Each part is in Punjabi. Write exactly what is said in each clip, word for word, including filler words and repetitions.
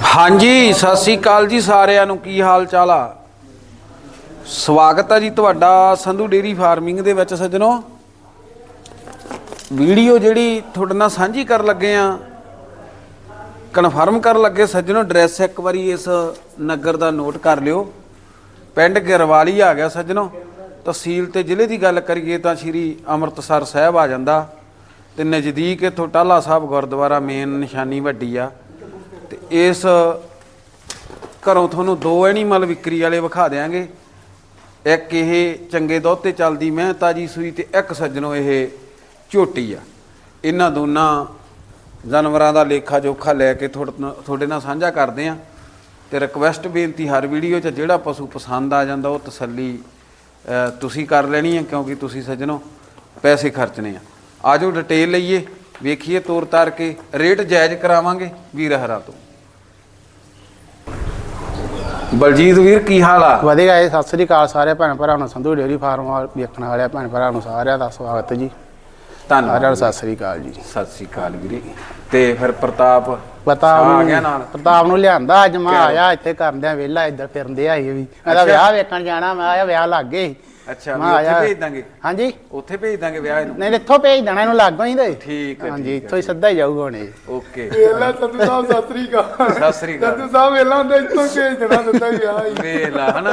हाँ जी सत श्री अकाल जी सारिਆਂ ਨੂੰ ਕੀ ਹਾਲ ਚਾਲ ਆ। ਸਵਾਗਤ ਹੈ ਜੀ ਤੁਹਾਡਾ ਸੰਧੂ ਡੇਰੀ ਫਾਰਮਿੰਗ ਦੇ ਵਿੱਚ ਸੱਜਣੋ। ਵੀਡੀਓ ਜਿਹੜੀ ਤੁਹਾਡੇ ਨਾਲ ਸਾਂਝੀ ਕਰਨ ਲੱਗੇ ਆ, ਕਨਫਰਮ ਕਰਨ ਲੱਗੇ ਸੱਜਣੋ। ਐਡਰੈਸ ਇੱਕ ਵਾਰੀ ਇਸ ਨਗਰ ਦਾ ਨੋਟ ਕਰ ਲਿਓ। ਪਿੰਡ ਗਿਰਵਾਲੀ ਆ ਗਿਆ ਸੱਜਣੋ। ਤਹਿਸੀਲ ਤੇ ਜ਼ਿਲ੍ਹੇ ਦੀ ਗੱਲ ਕਰੀਏ ਤਾਂ ਸ਼੍ਰੀ ਅੰਮ੍ਰਿਤਸਰ ਸਾਹਿਬ ਆ ਜਾਂਦਾ ਤੇ ਨਜ਼ਦੀਕ ਇੱਥੋਂ ਟਾਹਲਾ ਸਾਹਿਬ ਗੁਰਦੁਆਰਾ ਮੇਨ ਨਿਸ਼ਾਨੀ ਵੱਡੀ ਆ। ਤੇ ਇਸ ਘਰੋਂ ਤੁਹਾਨੂੰ ਦੋ ਐਨੀਮਲ ਵਿਕਰੀ ਵਾਲੇ ਵਿਖਾ ਦਿਆਂਗੇ। ਇੱਕ ਇਹ ਚੰਗੇ ਦੁੱਧ ਤੇ ਚੱਲਦੀ ਮੈਂ ਤਾਜੀ ਸੂਈ ਤੇ ਇੱਕ ਸੱਜਣੋ ਇਹ ਝੋਟੀ ਆ। ਇਹਨਾਂ ਦੋਨਾਂ ਜਾਨਵਰਾਂ ਦਾ ਲੇਖਾ ਜੋਖਾ ਲੈ ਕੇ ਤੁਹਾਡੇ ਨਾਲ ਸਾਂਝਾ ਕਰਦੇ ਆ। ਤੇ ਰਿਕਵੈਸਟ ਬੇਨਤੀ ਹਰ ਵੀਡੀਓ 'ਚ ਜਿਹੜਾ ਪਸ਼ੂ ਪਸੰਦ ਆ ਜਾਂਦਾ ਉਹ ਤਸੱਲੀ ਤੁਸੀਂ ਕਰ ਲੈਣੀ ਆ, ਕਿਉਂਕਿ ਤੁਸੀਂ ਸੱਜਣੋ ਪੈਸੇ ਖਰਚਣੇ ਆ। ਆਜੋ ਡਿਟੇਲ ਲਈਏ, ਵੇਖੀਏ ਤੋਰ ਤਾਰ ਕੇ, ਰੇਟ ਜਾਇਜ਼ ਕਰਾਵਾਂਗੇ ਵੀਰ ਹਰਾ ਤੋਂ। ਬਲਜੀਤ ਵੀਰ ਕੀ ਹਾਲ ਆ? ਵਧੀਆ ਹੈ। ਸਤਿ ਸ੍ਰੀ ਅਕਾਲ ਸਾਰੇ ਭੈਣ ਭਰਾ ਨੂੰ। ਸੰਧੂ ਡੇਅਰੀ ਫਾਰਮ ਵੇਖਣ ਵਾਲੇ ਭੈਣ ਭਰਾ ਨੂੰ ਸਾਰਿਆਂ ਦਾ ਸਵਾਗਤ ਜੀ। ਧੰਨਵਾਦ। ਸਤਿ ਸ੍ਰੀ ਅਕਾਲ ਜੀ। ਸਤਿ ਸ੍ਰੀ ਅਕਾਲ ਵੀਰੇ। ਤੇ ਫਿਰ ਪ੍ਰਤਾਪ ਪ੍ਰਤਾਪ ਆ ਗਿਆ ਨਾਲ? ਪ੍ਰਤਾਪ ਨੂੰ ਲਿਆਂਦਾ ਅੱਜ। ਮੈਂ ਆਇਆ ਇੱਥੇ ਕਰਦਿਆਂ ਵਿਹਲਾ, ਇੱਧਰ ਫਿਰਦੇ ਆ ਇਹ ਵੀ। ਇਹਦਾ ਵਿਆਹ ਵੇਖਣ ਜਾਣਾ। ਮੈਂ ਆਇਆ ਵਿਆਹ ਲੱਗ ਗਏ। ਅੱਛਾ, ਮੈਂ ਉੱਥੇ ਭੇਜ ਦਾਂਗੇ। ਹਾਂਜੀ ਉੱਥੇ ਭੇਜ ਦਾਂਗੇ ਵਿਆਹ ਨੂੰ? ਨਹੀਂ, ਇੱਥੋਂ ਭੇਜ ਦੇਣਾ ਇਹਨੂੰ, ਲਾਗੋਂ ਹੀ ਤੇ। ਠੀਕ ਹੈ, ਹਾਂਜੀ, ਇੱਥੋਂ ਹੀ ਸਿੱਧਾ ਹੀ ਜਾਊਗਾ ਹੁਣ ਇਹ। ਓਕੇ। ਵੇਲਾ ਸੰਧੂ ਸਾਹਿਬ ਸਤਿ ਸ੍ਰੀ ਅਕਾਲ। ਸਤਿ ਸ੍ਰੀ ਅਕਾਲ ਸੰਧੂ ਸਾਹਿਬ ਵੇਲਾ ਹੁੰਦਾ ਇੱਥੋਂ ਭੇਜ ਦੇਣਾ ਸਿੱਧਾ ਹੀ ਵਿਆਹ ਹੀ। ਵੇਲਾ ਹਨਾ।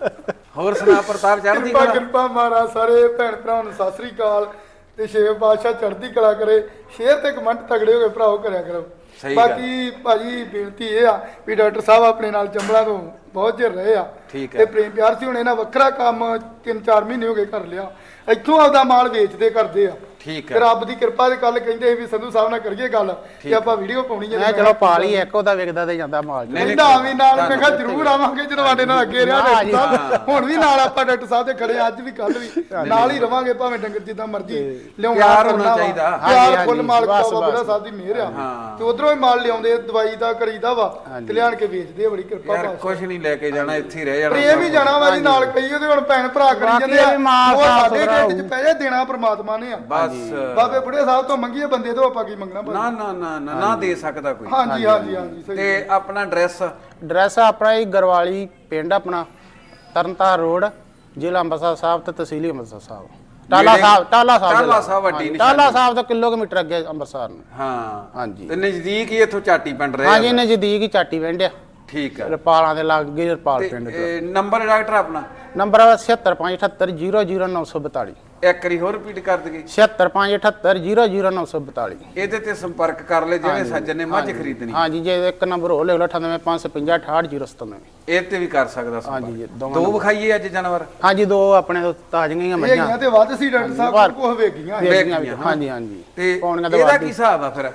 ਹੋਰ ਸੁਣਾ ਪ੍ਰਤਾਪ, ਚੜ੍ਹਦੀ ਕਿਰਪਾ ਕਲਾ? ਕਿਰਪਾ ਮਹਾਰਾਜ ਸਾਰੇ ਭੈਣ ਭਰਾਵਾਂ ਨੂੰ ਸਤਿ ਸ੍ਰੀ ਅਕਾਲ ਤੇ ਛੇ ਬਾਦਸ਼ਾਹ ਚੜ੍ਹਦੀ ਕਲਾ ਕਰੇ। ਸ਼ੇਅਰ ਤੇ ਕਮੈਂਟ ਤਗੜੇ ਹੋ ਕੇ ਭਰਾਓ ਕਰਿਆ ਕਰੋ। ਬਾਕੀ ਭਾਜੀ ਬੇਨਤੀ ਇਹ ਆ ਵੀ ਡਾਕਟਰ ਸਾਹਿਬ ਆਪਣੇ ਨਾਲ ਚੰਬਲਾਂ ਤੋਂ ਬਹੁਤ ਚਿਰ ਰਹੇ ਆ ਤੇ ਪ੍ਰੇਮ ਪਿਆਰ ਸੀ। ਹੁਣ ਇਹਨਾਂ ਵੱਖਰਾ ਕੰਮ ਤਿੰਨ ਚਾਰ ਮਹੀਨੇ ਹੋ ਗਏ ਕਰ ਲਿਆ। ਇੱਥੋਂ ਆਪਦਾ ਮਾਲ ਵੇਚਦੇ ਕਰਦੇ ਆ। ਠੀਕ ਹੈ। ਰੱਬ ਦੀ ਕਿਰਪਾ ਦੇ ਕੱਲ ਕਹਿੰਦੇ ਸੀ ਵੀ ਸੰਧੂ ਸਾਹਿਬ ਨਾਲ ਕਰੀਏ ਗੱਲ ਕਿ ਆਪਾਂ ਵੀਡੀਓ ਪਾਉਣੀ ਹੈ। ਮੈਂ ਚਲੋ ਪਾ ਲਈ ਇੱਕ, ਉਹਦਾ ਵਿਕਦਾ ਤੇ ਜਾਂਦਾ ਮਾਲ। ਕਹਿੰਦਾ ਵੀ ਨਾਲ ਮੈਂ ਕਿਹਾ ਜ਼ਰੂਰ ਆਵਾਂਗੇ ਜਦੋਂ ਸਾਡੇ ਨਾਲ ਅੱਗੇ ਰਿਹਾ ਡਾਕਟਰ ਸਾਹਿਬ। ਹੁਣ ਵੀ ਨਾਲ ਆਪਾਂ ਡਾਕਟਰ ਸਾਹਿਬ ਦੇ ਖੜੇ, ਅੱਜ ਵੀ ਕੱਲ ਵੀ ਨਾਲ ਹੀ ਰਵਾਂਗੇ, ਭਾਵੇਂ ਡੰਗਰ ਜਿੱਦਾਂ ਮਰਜ਼ੀ ਲਿਆਉਣਾ। ਪਿਆਰ ਹੋਣਾ ਚਾਹੀਦਾ। ਪਿਆਰ ਫੁੱਲ ਮਾਲਕ ਬਾਬਾ ਸਾਹਿਬ ਦੀ ਮਿਹਰ ਆ। ਤੇ ਉਧਰੋਂ ਹੀ ਮਾਲ ਲਿਆਉਂਦੇ, ਦਵਾਈ ਦਾ ਕਰੀਦਾ ਵਾ ਤੇ ਲਿਆਣ ਕੇ ਵੇਚਦੇ ਆ। ਬੜੀ ਕਿਰਪਾ ਬਾਬਾ। ਕੁਝ ਨਹੀਂ ਲੈ ਕੇ ਜਾਣਾ, ਇੱਥੇ ਹੀ ਰਹਿ ਜਾਣਾ। ਪ੍ਰੇਮ ਹੀ ਜਾਣਾ ਵਾ ਜੀ ਨਾਲ। ਕਈ ਉਹਦੇ ਹੁਣ ਭੈਣ ਭਰਾ ਕਰੀ ਜਾਂਦੇ ਆ, ਉਹ ਸਾਡੇ ਢਿੱਡ 'ਚ ਪੈ ਜਾ, ਦੇਣਾ ਪ੍ਰਮਾਤਮਾ ਨੇ ਆ। ਬਸ ਬਾਬੇ ਬੁੱਢੇ ਸਾਹਿਬ ਤੋਂ ਮੰਗੀਏ ਬੰਦੇ ਤੋਂ, ਆਪਾਂ ਕੀ ਮੰਗਣਾ? ਨਾ ਨਾ ਨਾ ਨਾ ਨਾ ਦੇ ਸਕਦਾ ਕੋਈ। ਹਾਂਜੀ ਹਾਂਜੀ ਹਾਂਜੀ। ਤੇ ਆਪਣਾ ਐਡਰੈਸ? ਐਡਰੈਸ ਆਪਣਾ ਹੀ ਗਰਵਾਲੀ ਪਿੰਡ, ਆਪਣਾ ਤਰਨਤਾਰਨ ਰੋਡ, ਜ਼ਿਲ੍ਹਾ ਅੰਮ੍ਰਿਤਸਰ ਸਾਹਿਬ ਤੇ ਤਹਿਸੀਲ ਅੰਮ੍ਰਿਤਸਰ ਸਾਹਿਬ। ਟਾਹਲਾ ਸਾਹਿਬ, ਟਾਹਲਾ ਸਾਹਿਬ, ਟਾਹਲਾ ਸਾਹਿਬ ਵੱਡੀ ਨਿਸ਼ਾਨੀ। ਟਾਹਲਾ ਸਾਹਿਬ ਤੋਂ ਕਿਲੋਮੀਟਰ ਅੱਗੇ ਅੰਮ੍ਰਿਤਸਰ ਨੂੰ। ਹਾਂ ਹਾਂਜੀ। ਤੇ ਨਜ਼ਦੀਕ ਹੀ ਇੱਥੋਂ ਚਾਟੀ ਪਿੰਡ ਰਿਹਾ? ਹਾਂਜੀ, ਨਜ਼ਦੀਕ ਹੀ ਚਾਟੀ ਪਿੰਡ ਆ। ਠੀਕ ਹੈ। ਰਪਾਲਾਂ ਦੇ ਲਾਗੇ ਰਪਾਲ ਪਿੰਡ। ਨੰਬਰ ਡਾਕਟਰ ਆਪਣਾ? ਨੰਬਰ ਛਿਹੱਤਰ ਪੰਜ ਅਠੱਤਰ ਜ਼ੀਰੋ ਜ਼ੀਰੋ ਨੌ ਸੌ ਬਤਾਲੀ। ਇੱਕ ਵਾਰੀ ਹੋਰ ਰਿਪੀਟ ਕਰ ਦਈਏ। ਛਿਹੱਤਰ ਪੰਜ ਅਠੱਤਰ ਜ਼ੀਰੋ ਜ਼ੀਰੋ ਨੌ ਸੌ ਬਤਾਲੀ। ਇਹਦੇ ਤੇ ਸੰਪਰਕ ਕਰ ਲੈ ਜਿਹੜੇ ਸੱਜਣ ਨੇ ਮੱਝ ਖਰੀਦਣੀ। ਹਾਂਜੀ, ਜੇ ਇੱਕ ਨੰਬਰ ਹੋ ਲੈ ਅਠਾਨਵੇਂ ਪੰਜ ਸੌ ਪੰਜਾਹ ਅਠਾਹਠ ਜ਼ੀਰੋ ਸਤੱਨਵੇਂ। ਇਹ ਤੇ ਵੀ ਕਰ ਸਕਦਾ ਸੰਪਰਕ। ਹਾਂਜੀ, ਦੋ ਵਿਖਾਈਏ ਅੱਜ ਜਾਨਵਰ? ਹਾਂਜੀ, ਦੋ ਆਪਣੇ ਤੋਂ ਤਾਜ਼ੀਆਂ ਮੱਝਾਂ। ਇਹ ਤੇ ਵੱਧ ਸੀ ਡਾਕਟਰ ਸਾਹਿਬ ਕੋਲ ਵੇਗੀਆਂ। ਹਾਂਜੀ ਹਾਂਜੀ। ਤੇ ਇਹਦਾ ਕੀ ਹਿਸਾਬ ਆ ਫਿਰ?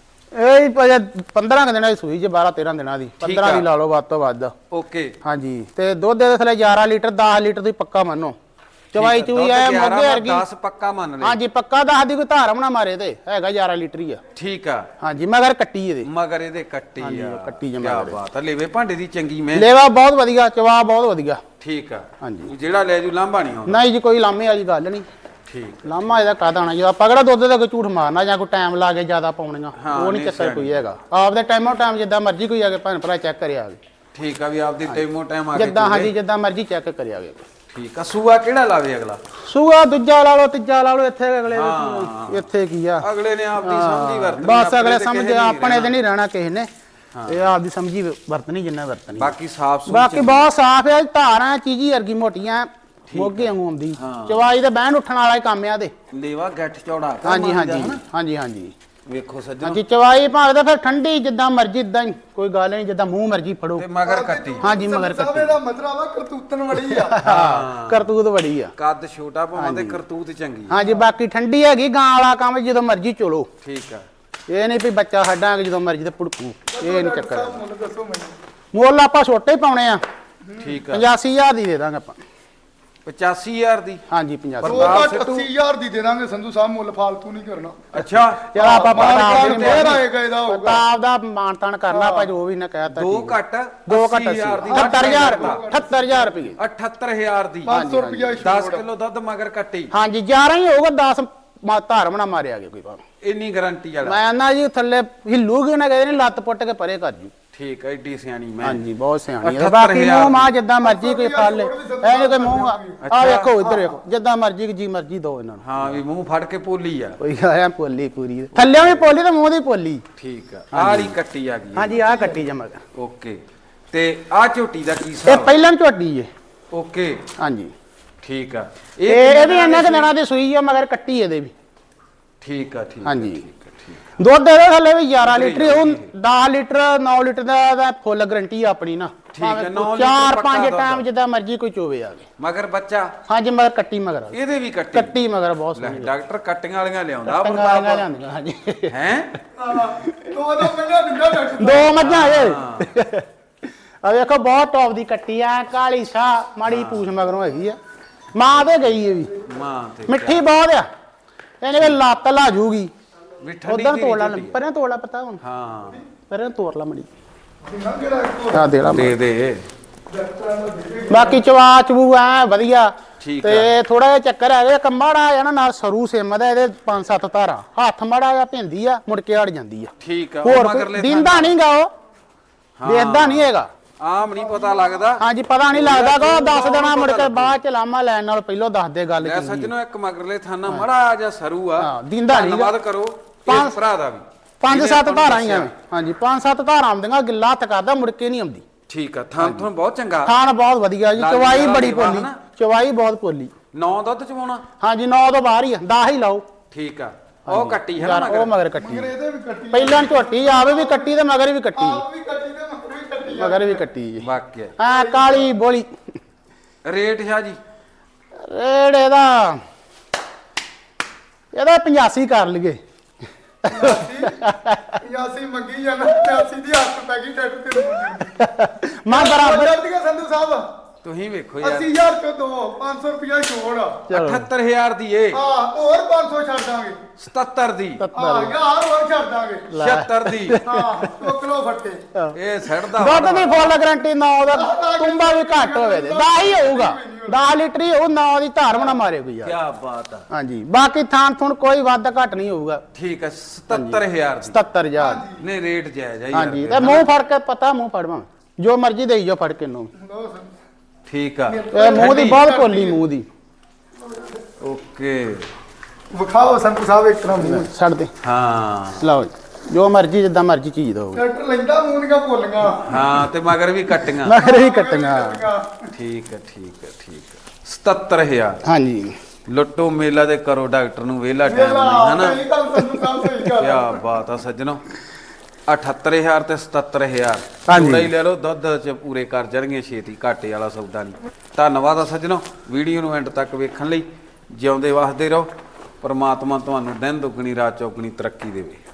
ਇਹ ਭਾਜੀ ਪੰਦਰਾਂ ਕੁ ਦਿਨਾਂ ਦੀ ਸੂਈ ਜੇ, ਬਾਰਾਂ ਤੇਰਾਂ ਦਿਨਾਂ ਦੀ। ਪੰਦਰਾਂ ਦੀ ਲਾ ਲਓ ਵੱਧ ਤੋਂ ਵੱਧ। ਓਕੇ। ਹਾਂਜੀ। ਤੇ ਦੁੱਧ ਦੇ ਥੱਲੇ ਗਿਆਰਾਂ ਲੀਟਰ ਦਸ ਲੀਟਰ ਦੀ ਪੱਕਾ ਮੰਨੋ। ਚਵਾਈ ਚੂਈ ਆ ਮੋਗੇ ਵਰਗੀ। ਦਸ ਪੱਕਾ ਮੰਨ ਲੈ। ਹਾਂਜੀ, ਪੱਕਾ ਦਸ ਦੀ ਕੋਈ ਧਾਰਮ ਨਾ ਮਾਰੇ ਤੇ ਹੈਗਾ ਗਿਆਰਾਂ ਲੀਟਰ ਹੀ ਆ। ਠੀਕ ਆ। ਹਾਂਜੀ, ਮਗਰ ਕੱਟੀ ਇਹਦੇ। ਮਗਰ ਇਹਦੇ ਕੱਟੀ ਆ। ਕੱਟੀ ਜਮਾ। ਕੀ ਬਾਤ ਆ। ਲੇਵੇ ਭਾਂਡੇ ਦੀ ਚੰਗੀ ਮੈਂ। ਲੇਵਾ ਬਹੁਤ ਵਧੀਆ, ਚਵਾ ਬਹੁਤ ਵਧੀਆ। ਠੀਕ ਆ। ਹਾਂਜੀ। ਜਿਹੜਾ ਲੈ ਜੂ ਲਾਂਭਾ ਨਹੀਂ ਆਉਂਦਾ? ਨਹੀਂ ਜੀ, ਕੋਈ ਲਾਮੇ ਵਾਲੀ ਗੱਲ ਨਹੀਂ। ਠੀਕ। ਲਾਮਾ ਇਹਦਾ ਕਾਹਦਾ ਹੋਣਾ, ਜਦੋਂ ਆਪਾਂ ਕਿਹੜਾ ਦੁੱਧ ਦਾ ਕੋਈ ਝੂਠ ਮਾਰਨਾ ਜਾਂ ਕੋਈ ਟਾਈਮ ਲਾ ਕੇ ਜ਼ਿਆਦਾ ਪਾਉਣੀਆਂ, ਉਹ ਨਹੀਂ ਚੱਕਰ ਕੋਈ ਹੈਗਾ। ਆਪਦੇ ਟਾਈਮੋ ਟਾਈਮ ਜਿੱਦਾਂ ਮਰਜ਼ੀ ਕੋਈ ਆ ਕੇ ਭੈਣ ਭਰਾ ਚੈੱਕ ਕਰਿਆ ਆਵੇ। ਠੀਕ ਆ, ਵੀ ਆਪਦੀ ਟਾਈਮੋ ਟਾਈਮ ਆ ਕੇ ਜਿੱਦਾਂ। ਹਾਂਜੀ, ਜਿੱਦਾਂ ਮਰਜ਼ੀ ਚੈੱਕ ਕਰਿਆ ਆਵੇ। ਠੀਕ ਆ। ਸੂਆ ਕਿਹੜਾ ਲਾਵੇ ਅਗਲਾ? ਸੂਆ ਦੂਜਾ ਲਾ ਲਓ, ਤੀਜਾ ਲਾ ਲਓ। ਇੱਥੇ ਅਗਲੇ ਇੱਥੇ ਕੀ ਆ, ਅਗਲੇ ਨੇ ਆਪਦੀ ਸਮਝੀ ਵਰਤਣੀ। ਬਸ ਅਗਲੇ ਸਮਝ ਆਪਣੇ ਤੇ ਨਹੀਂ ਰਹਿਣਾ ਕਿਸੇ ਨੇ। ਇਹ ਆਪਦੀ ਸਮਝੀ ਵਰਤਣੀ ਜਿੰਨਾ ਵਰਤਣੀ। ਬਾਕੀ ਸਾਫ ਸੁਥਰਾ, ਬਾਕੀ ਬਹੁਤ ਸਾਫ ਹੈ। ਧਾਰਾਂ ਚੀਜ਼ੀ ਵਰਗੀ ਮੋਟੀਆਂ, ਮੋਗੇ ਵਾਂਗੂ ਆਉਂਦੀ। ਚਵਾਈ ਤੇ ਬਹਿਣ ਉੱਠਣ ਵਾਲਾ ਹੀ ਕੰਮ ਆ ਤੇ। ਲੇਵਾ ਗੱਠ ਚੌੜਾ। ਹਾਂਜੀ ਹਾਂਜੀ ਹਾਂਜੀ ਹਾਂਜੀ। ਵੇਖੋ ਸੱਜਣ। ਹਾਂਜੀ, ਚਵਾਈ ਭਾਵੇਂ ਤਾਂ ਫਿਰ ਠੰਡੀ ਜਿੱਦਾਂ ਮਰਜ਼ੀ, ਇਦਾਂ ਹੀ ਕੋਈ ਗੱਲ ਨਹੀਂ, ਜਿੱਦਾਂ ਮੂੰਹ ਮਰਜ਼ੀ ਫੜੋ। ਤੇ ਮਗਰ ਕੱਟੀ। ਹਾਂਜੀ, ਮਗਰ ਕੱਟੀ। ਇਹਦਾ ਮਤਲਬ ਆ ਕਰਤੂਤਨ ਵੜੀ ਆ। ਹਾਂ, ਕਰਤੂਤ ਬੜੀ ਆ। ਕੱਦ ਛੋਟਾ ਭਾਵੇਂ ਤੇ ਕਰਤੂਤ ਚੰਗੀ। ਹਾਂਜੀ, ਬਾਕੀ ਠੰਡੀ ਹੈਗੀ। ਗਾਂ ਵਾਲਾ ਕੰਮ ਜਦੋਂ ਮਰਜ਼ੀ ਚੋਲੋ। ਠੀਕ ਆ। ਇਹ ਨਹੀਂ ਵੀ ਬੱਚਾ ਛੱਡਾਂਗੇ ਜਦੋਂ ਮਰਜ਼ੀ ਤੇ ਪੁੜਕੂ, ਇਹ ਨਹੀਂ ਚੱਕਰ। ਦੱਸੋ ਮੈਨੂੰ। ਮੁੱਲ ਆਪਾਂ ਛੋਟੇ ਹੀ ਪਾਉਣੇ ਆ। ਠੀਕ ਆ। ਪਚਾਸੀ ਹਜ਼ਾਰ ਦੀ ਦੇ ਦਾਂਗੇ ਆਪਾਂ। ਪਚਾਸੀ ਹਜ਼ਾਰ ਦੀ? ਹਾਂਜੀ, ਪਚਾਸੀ। ਉਹ ਤਾਂ ਅੱਸੀ ਹਜ਼ਾਰ ਦੀ ਦੇ ਦਾਂਗੇ ਸੰਧੂ ਸਾਹਿਬ, ਮੁੱਲ ਫਾਲਤੂ ਨਹੀਂ ਕਰਨਾ। ਅੱਛਾ। ਚਲ ਆਪਾਂ ਆਪਦਾ ਮਾਨਤਾਨ ਕਰਨਾ, ਆਪਾਂ ਜੋ ਵੀ ਨਾ ਕਹਿਤਾ। ਦੋ ਘੱਟ ਦੋ ਘੱਟ ਅਠੱਤਰ ਹਜ਼ਾਰ ਅਠੱਤਰ ਹਜ਼ਾਰ ਰੁਪਏ ਅਠੱਤਰ ਹਜ਼ਾਰ ਦੀ ਪੰਜ ਸੌ ਰੁਪਏ ਦਸ ਕਿਲੋ ਦੁੱਧ ਮਗਰ ਕੱਟੀ। ਹਾਂਜੀ, ਗਿਆਰਾਂ ਹੀ ਹੋਊਗਾ। ਦਸ ਧਾਰਮ ਨਾ ਮਾਰਿਆ ਗਿਆ ਕੋਈ ਭਾਵੇਂ। ਇੰਨੀ ਗਾਰੰਟੀ ਵਾਲਾ? ਮੈਂ ਨਾ ਜੀ ਥੱਲੇ ਹਿੱਲੂਗੀ ਨਾ, ਕਹਿੰਦੇ ਨੇ ਲੱਤ ਪੁੱਟ ਕੇ ਪਰੇ ਕਰ ਜੂ। ਠੀਕ ਹੈ, ਏਡੀ ਸਿਆਣੀ ਮੈਂ। ਹਾਂਜੀ ਬਹੁਤ ਸਿਆਣੀ ਹੈ। ਅਠੱਤਰ ਬਾਕੀ ਹਜ਼ਾਰ ਮੂੰਹ ਮਾਂ ਜਿੱਦਾਂ ਮਰਜ਼ੀ ਕੋਈ ਫੜ ਲੇ, ਐ ਨੀ ਕੋਈ ਮੂੰਹ ਆ ਵੇਖੋ ਇੱਧਰ ਵੇਖੋ, ਜਿੱਦਾਂ ਮਰਜ਼ੀ ਜੀ ਮਰਜ਼ੀ ਦੋ ਇਹਨਾਂ ਨੂੰ। ਹਾਂ ਵੀ ਮੂੰਹ ਫੜ ਕੇ ਪੋਲੀ ਆ। ਕੋਈ ਆਇਆ ਪੋਲੀ ਪੂਰੀ, ਥੱਲੇ ਵੀ ਪੋਲੀ ਤੇ ਮੂੰਹ ਦੀ ਪੋਲੀ। ਠੀਕ ਆ, ਆਹ ਵਾਲੀ ਕੱਟੀ ਆ ਗਈ। ਹਾਂਜੀ ਆਹ ਕੱਟੀ ਜਮਾ। ਓਕੇ, ਤੇ ਆਹ ਝੋਟੀ ਦਾ ਕੀ ਇਹ ਹਿਸਾਬ? ਪਹਿਲਾਂ ਝੋਟੀ ਜੇ। ਓਕੇ ਹਾਂਜੀ ਠੀਕ ਆ। ਇਹ ਇਹ ਵੀ ਇਹਨਾਂ ਦੇ ਦਿਨਾਂ ਦੀ ਸੂਈ ਆ, ਮਗਰ ਕੱਟੀ ਇਹਦੇ ਵੀ। ਠੀਕ ਆ ਠੀਕ ਆ, ਹਾਂਜੀ। ਠੀਕ ਆ, ਠੀਕ ਦੁੱਧ ਇਹਦੇ ਥੱਲੇ ਵੀ ਗਿਆਰਾਂ ਲੀਟਰ, ਉਹ ਦਸ ਲੀਟਰ ਨੌ ਲੀਟਰ ਦਾ ਦਾ ਫੁੱਲ ਗਰੰਟੀ ਆਪਣੀ ਨਾ। ਠੀਕ ਹੈ, ਨੌ ਲੀਟਰ ਚਾਰ ਪੱਕਾ ਪੰਜ ਦੁੱਧ। ਟਾਈਮ ਜਿੱਦਾਂ ਮਰਜ਼ੀ ਕੋਈ ਚੋਵੇ ਆਵੇ। ਮਗਰ ਬੱਚਾ ਹਾਂਜੀ ਮਗਰ ਕੱਟੀ ਮਗਰ ਆ। ਇਹਦੇ ਵੀ ਕੱਟੀ। ਕੱਟੀ ਮਗਰ ਬਹੁਤ ਲੈ ਸੋਹਣੀ। ਡਾਕਟਰ ਕੱਟੀਆਂ ਵਾਲੀਆਂ ਲਿਆਉਂਦਾ ਟੰਗਾਂ ਲਿਆਂਦੀਆਂ ਹਾਂਜੀ। ਹੈ। ਦੋ ਦੋ ਮਹੀਨਾ ਦਿੰਦਾ ਡਾਕਟਰ ਦੋ ਮੱਝਾਂ ਇਹ ਆ ਵੇਖੋ ਬਹੁਤ ਟੌਪ ਦੀ ਕੱਟੀ ਆ, ਕਾਲੀ ਸ਼ਾਹ ਮਾੜੀ ਪੂਛ ਮਗਰੋਂ ਹੈਗੀ ਆ। ਮਾਂ ਤੇ ਗਈ ਇਹ ਵੀ ਮਾਂ ਤੇ ਮਿੱਠੀ ਬਹੁਤ ਆ, ਇਹਨੇ ਵੀ ਲੱਤ ਲਾ ਜੂਗੀ। ਵੀ ਠੰਡੀ ਉਧਰ ਦੀ ਤੋੜ ਲਾ, ਝੋਟੀ ਆ। ਪਰੇ ਤੋੜ ਲਾ ਪਤਾ ਹੁਣ, ਹਾਂ ਪਰੇ ਤੋੜ ਲਾ ਮੜੀ ਦਿੰਦਾ ਜਿਹੜਾ ਇੱਕ ਆ ਦੇ ਲਾ। ਦੇ ਦੇ। ਡਾਕਟਰਾਂ ਨੂੰ ਦੇ ਬਾਕੀ ਚਵਾ ਚਬੂ ਐ ਵਧੀਆ। ਠੀਕ ਤੇ ਥੋੜਾ ਜਿਹਾ ਚੱਕਰ ਹੈਗਾ, ਇੱਕ ਮਾੜਾ ਆ ਨਾ ਨਾਲ ਸਰੂ ਸਿਮ ਦਾ, ਇਹਦੇ ਪੰਜ ਸੱਤ ਧਾਰਾਂ, ਹੱਥ ਮਾੜਾ ਜਿਹਾ ਭਿੰਦੀ ਆ, ਮੁੜ ਕੇ ਅੜ ਜਾਂਦੀ ਆ। ਠੀਕ ਆ। ਉਹ ਹੋਰ ਮਗਰਲੇ ਦਿੰਦਾ ਨਹੀਂਗਾ, ਉਹ ਵੇਖਦਾ ਨਹੀਂ ਹੈਗਾ। ਆਮ ਨਹੀਂ ਪਤਾ ਲੱਗਦਾ। ਹਾਂਜੀ ਪਤਾ ਨਹੀਂ ਲੱਗਦਾ ਕੋ ਦੱਸ ਦੇਣਾ, ਮੁੜ ਕੇ ਬਾਅਦ ਚ ਲਾਮਾ ਲੈਣ ਨਾਲ ਪਹਿਲਾਂ ਦੱਸ ਦੇ ਗੱਲ ਲੈ ਕੀ। ਸੱਜਣੋ, ਇੱਕ ਮਗਰਲੇ ਥਾਨਾ ਮੜਾ ਜਿਹਾ ਸਰੂ ਆ। ਹਾਂ, ਦਿੰਦਾ ਨੀ ਗਾ। ਧੰਨਵਾਦ ਕਰੋ ਇਸ ਭਰਾ ਦਾ ਵੀ। ਪੰਜ ਜਿਹਨੇ ਸੱਤ ਆਪਾਂ ਨੂੰ ਧਾਰਾਂ ਹੀ ਆ। ਦੱਸਿਆ। ਹਾਂਜੀ ਪੰਜ ਸੱਤ ਧਾਰਾਂ ਆਉਂਦੀਆਂ, ਗਿੱਲਾ ਹੱਥ ਕਰਦਾ, ਮੁੜ ਕੇ ਨਹੀਂ ਆਉਂਦੀ। ਠੀਕ ਆ, ਥਾਂ ਤੁਹਾਨੂੰ ਬਹੁਤ ਚੰਗਾ। ਖਾਣ ਬਹੁਤ ਵਧੀਆ ਜੀ, ਲਾਲੀ ਚਵਾਈ ਵਾਲਾ ਬੜੀ ਦੇਵਾ ਪੋਲੀ, ਹਨਾ? ਚਵਾਈ ਬਹੁਤ ਪੋਲੀ। ਨੌ ਦੁੱਧ ਚਵਾਉਣਾ। ਹਾਂਜੀ ਨੌ ਤੋਂ ਬਾਹਰ ਹੀ ਆ, ਦਸ ਹੀ ਲਾਓ। ਠੀਕ ਆ, ਉਹ ਕੱਟੀ ਹੈ ਨਾ ਯਾਰ ਉਹ ਮਗਰ। ਮਗਰ ਕੱਟੀ, ਮਗਰ ਇਹਦੇ ਵੀ ਕੱਟੀ ਪਹਿਲਾਂ ਝੋਟੀ ਆਵੇ ਵੀ ਕੱਟੀ ਤੇ ਮਗਰ ਵੀ ਕੱਟੀ, ਆਪ ਵੀ ਕੱਟੀ ਤੇ ਮਗਰ ਵੀ ਕੱਟੀ ਆ। ਮਗਰ ਵੀ ਕੱਟੀ ਜੀ। ਵਾਕਿਆ ਹਾਂ ਕਾਲੀ ਬੋਲੀ। ਰੇਟ ਸ਼ਾਹ ਜੀ? ਰੇਟ ਇਹਦਾ ਇਹਦਾ ਪਚਾਸੀ ਕਰ ਲਈਏ। ਪਚਾਸੀ ਮੰਗੀ ਜਾਂਦਾ, ਪਚਾਸੀ ਦੀ ਹੱਥ ਪੈ ਗਈ ਡਾਕਟਰ ਤੇ। ਮੈਂ ਬਰਾਬਰ ਜਲਦੀਆਂ ਸੰਧੂ ਸਾਹਿਬ ਤੁਸੀਂ ਵੇਖੋ ਯਾਰ, ਅੱਸੀ ਹਜ਼ਾਰ ਚੋਂ ਦੋ ਪੰਜ ਸੌ ਰੁਪਇਆ ਛੋੜ ਆ। ਅਠੱਤਰ ਹਜ਼ਾਰ ਦੀ ਏ, ਹਾਂ ਹੋਰ ਪੰਜ ਸੌ ਛੱਡ ਦਾਂਗੇ। ਸਤੱਤਰ ਦੀ, ਹਾਂ ਯਾਰ ਹੋਰ ਛੱਡ ਦਾਂਗੇ। ਛਿਅੱਤਰ ਦੀ। ਹਾਂ ਦੋ ਕਿਲੋ ਫੱਟੇ। ਇਹ ਸੜਦਾ ਦੁੱਧ ਦੀ ਫੁੱਲ ਗਰੰਟੀ ਨੌ ਦਾ, ਤੁੰਬਾ ਵੀ ਘੱਟ ਹੋਵੇ ਤੇ ਦਸ ਹੀ ਹੋਊਗਾ, ਦਸ ਲੀਟਰ ਹੀ ਹੋਊ, ਨੌ ਦੀ ਧਾਰ ਬਣਾ ਮਾਰੇ ਕੋਈ ਯਾਰ। ਕੀ ਬਾਤ ਆ। ਹਾਂਜੀ ਬਾਕੀ ਥਾਂ ਥੁਣ ਕੋਈ ਵੱਧ ਘੱਟ ਨਹੀਂ ਹੋਊਗਾ। ਠੀਕ ਹੈ, ਸਤੱਤਰ ਹਜ਼ਾਰ ਦੀ। ਸਤੱਤਰ ਹਜ਼ਾਰ ਨੇ ਰੇਟ ਜਾਇਜ਼ ਆ ਯਾਰ। ਹਾਂਜੀ ਤੇ ਮੂੰਹ ਫੜ ਕੇ ਪਤਾ, ਮੂੰਹ ਫੜਵਾ ਜੋ ਮਰਜ਼ੀ ਦੇਈ ਜੋ ਫੜ ਕੇ ਨੂੰ। ਲਓ ਸਰ। ਠੀਕ ਆ, ਇਹ ਮੂੰਹ ਦੀ ਬਹੁਤ ਪੋਲੀ, ਮੂੰਹ ਦੀ। ਓਕੇ। ਵਿਖਾਓ ਸੰਧੂ ਸਾਹਿਬ ਇੱਕ ਤਰ੍ਹਾਂ ਮੂੰਹ। ਛੱਡ ਦੇ, ਹਾਂ ਲਓ ਜੀ, ਜੋ ਮਰਜ਼ੀ ਜਿੱਦਾਂ ਮਰਜ਼ੀ ਚੀਜ਼ ਦੋ। ਡਾਕਟਰ ਲੈਂਦਾ ਮੂੰਹ ਦੀਆਂ ਭੁੱਲੀਆਂ। ਹਾਂ, ਤੇ ਮਗਰ ਵੀ ਕੱਟੀਆਂ। ਮਗਰ ਵੀ ਕੱਟੀਆਂ। ਠੀਕ ਹੈ ਠੀਕ ਹੈ ਠੀਕ ਹੈ, ਸਤੱਤਰ ਹਜ਼ਾਰ। ਹਾਂਜੀ ਲੁੱਟੋ ਮੇਲਾ ਤੇ ਕਰੋ ਡਾਕਟਰ ਨੂੰ ਵਿਹਲਾ ਟਾਈਮ ਨਹੀਂ, ਹਨਾ? ਸਹੀ ਗੱਲ ਸੰਧੂ ਸਾਹਿਬ, ਸਹੀ ਗੱਲ। ਕੀ ਬਾਤ ਆ ਸੱਜਣੋ, ਅਠੱਤਰ ਹਜ਼ਾਰ ਤੇ ਸਤੱਤਰ ਹਜ਼ਾਰ। ਹਾਂਜੀ। ਥੋੜਾ ਹੀ ਲੈ ਲਓ, ਦੁੱਧ ਚ ਪੂਰੇ ਕਰ ਜਾਣਗੇ ਛੇਤੀ, ਘਾਟੇ ਵਾਲਾ ਸੌਦਾ ਨਹੀਂ। ਧੰਨਵਾਦ ਆ ਸੱਜਣੋ, ਵੀਡੀਓ ਨੂੰ ਐਂਡ ਤੱਕ ਵੇਖਣ ਲਈ। ਜਿਉਂਦੇ ਵਸਦੇ ਰਹੋ, ਪਰਮਾਤਮਾ ਤੁਹਾਨੂੰ ਦਿਨ ਦੁੱਗਣੀ ਰਾਤ ਚੌਗਣੀ ਤਰੱਕੀ ਦੇਵੇ।